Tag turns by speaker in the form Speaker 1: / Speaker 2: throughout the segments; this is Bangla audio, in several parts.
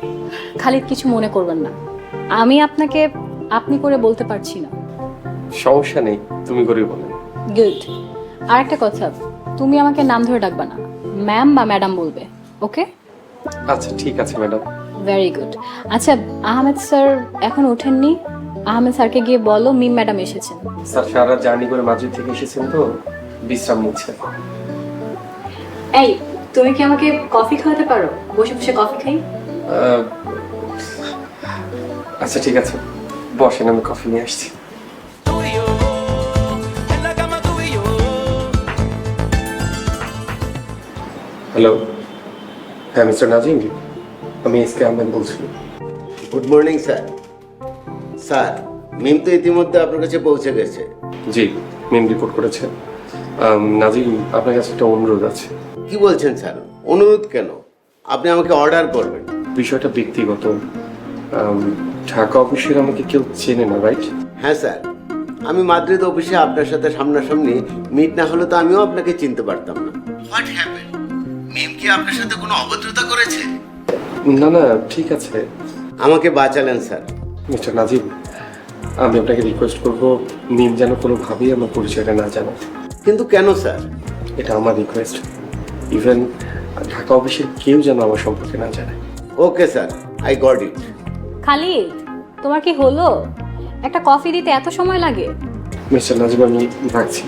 Speaker 1: খালিদ কিছু মনে করবেন না, আমি আপনাকে আপনি করে বলতে পারছি না।
Speaker 2: সমস্যা নেই, তুমি করেই বলেন।
Speaker 1: গুড। আর একটা কথা, তুমি আমাকে নাম ধরে ডাকবা না, ম্যাম বা ম্যাডাম বলবে, ওকে?
Speaker 2: আচ্ছা ঠিক আছে ম্যাডাম।
Speaker 1: Very good. আচ্ছা, আহমেদ স্যার এখন ওঠেননি? আহমেদ স্যারকে গিয়ে বলো মিম ম্যাডাম এসেছেন।
Speaker 2: স্যার সারা জার্নি করে মাদ্রিদ থেকে এসেছেন তো, বিশ্রাম নিচ্ছে।
Speaker 1: এই, তুমি কি আমাকে কফি খাওয়াতে পারো? বসে বসে কফি খাই।
Speaker 2: আচ্ছা ঠিক আছে, বসেন, আমি কফি নিয়ে আসছি। হ্যালো, হ্যাঁ মিস্টার নাজিম, আমি এস কে আহমেদ বলছি।
Speaker 3: Good morning sir. Sir, Mim তো ইতিমধ্যে আপনার কাছে পৌঁছে গেছে।
Speaker 2: জি, মেম রিপোর্ট করেছে। নাজিম, আপনার কাছে একটা অনুরোধ আছে।
Speaker 3: কি বলছেন স্যার? অনুরোধ কেন? আপনি আমাকে অর্ডার করবেন।
Speaker 2: বিষয়টা ব্যক্তিগত। ঢাকা অফিসের আমাকে কেউ চেনে না, রাইট?
Speaker 3: হ্যাঁ স্যার, আমি মাদ্রিদ অফিসে আপনার সাথে সামনাসামনি মিট না হলে তো আমিও আপনাকে চিনতে পারতাম না। What happen? মিম কি আপনার সাথে কোনো অভদ্রতা করেছে?
Speaker 2: না না, ঠিক আছে।
Speaker 3: আমাকে বাঁচালেন স্যার।
Speaker 2: মিস্টার নাজিম, আমি আপনাকে রিকোয়েস্ট করব, মিম যেন কোনোভাবেই আমার পরিচয়টা না জানে।
Speaker 3: কিন্তু কেন স্যার?
Speaker 2: এটা আমার রিকোয়েস্ট। ইভেন ঢাকা অফিসের কেউ যেন আমার সম্পর্কে না জানে।
Speaker 3: Okay sir, I got it.
Speaker 1: Khalid, তোমার কি হলো? একটা কফি দিতে এত সময় লাগে?
Speaker 2: মিস্টার নাজিম, আমি রাখছি।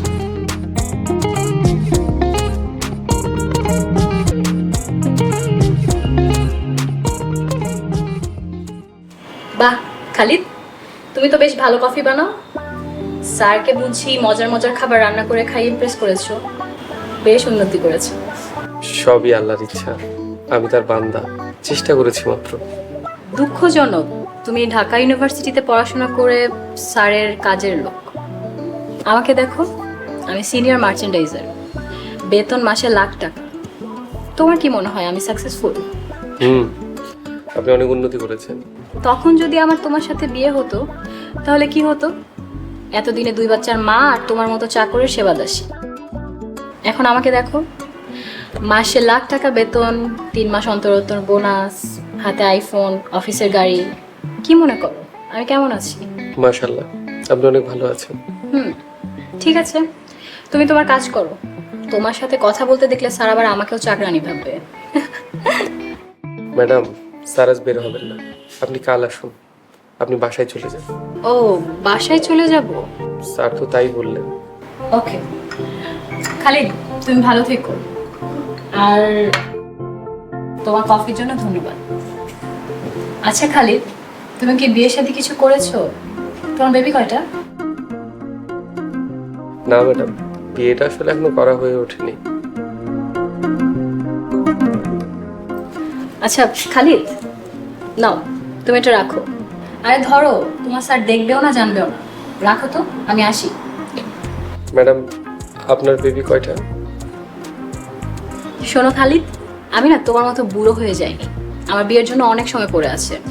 Speaker 1: বাহ খালিদ, তুমি তো বেশ ভালো কফি বানাও। স্যারকে বুঝি মজার মজার খাবার রান্না করে খাই ইমপ্রেস করেছো। বেশ উন্নতি করেছো।
Speaker 2: সবই আল্লাহর ইচ্ছা, আমি তার বান্দা, চেষ্টা করেছি মাত্র।
Speaker 1: দুঃখজনক, তুমি ঢাকা ইউনিভার্সিটিতে পড়াশোনা করে স্যারের কাজের লোক। আমাকে দেখো, আমি সিনিয়র মার্চেন্ডাইজার, বেতন মাসে লাখ টাকা। তোমার কি মনে হয় আমি সাকসেসফুল?
Speaker 2: আপনি অনেক উন্নতি করেছেন।
Speaker 1: তখন যদি আমার তোমার সাথে বিয়ে হতো তাহলে কি হতো? এতদিনে 2 বাচ্চার মা আর তোমার মতো চাকরের সেবা দাসী। এখন আমাকে দেখো, মাসে লাখ টাকা বেতন, 3 মাস অন্তর অন্তর বোনাস, হাতে আইফোন, অফিসের গাড়ি। কি মনে করো আমি কেমন আছি?
Speaker 2: মাশাআল্লাহ, আপনি অনেক ভালো আছেন।
Speaker 1: ঠিক আছে, তুমি তোমার কাজ করো। তোমার সাথে কথা বলতে দেখলে স্যার আবার আমাকেও চাকরানি ভাববে।
Speaker 2: ম্যাডাম, স্যার আজ বের হবেন না, আপনি কাল আসুন। আপনি বাসায় চলে যান।
Speaker 1: ও, বাসায় চলে যাব?
Speaker 2: স্যার তো তাই বললেন।
Speaker 1: ওকে খালিদ, তুমি ভালো থেকো। আর তোমার কফির জন্য ধন্যবাদ। আচ্ছা খালিদ, তুমি কি বিয়ের সাথে কিছু করেছো? তোমার বেবি কয়টা?
Speaker 2: না ম্যাডাম, বিয়েটা আসলে এখনো করা হয়ে ওঠেনি।
Speaker 1: আচ্ছা খালিদ, নাও তুমি এটা রাখো। আরে ধরো, তোমার স্যার দেখবেও না জানবেও না। রাখো তো, আমি আসি।
Speaker 2: ম্যাডাম, আপনার বেবি কয়টা?
Speaker 1: শোনো খালিদ, আমি না তোমার মতো বুড়ো হয়ে যাইনি। আমার বিয়ের জন্য অনেক সময় পড়ে আছে।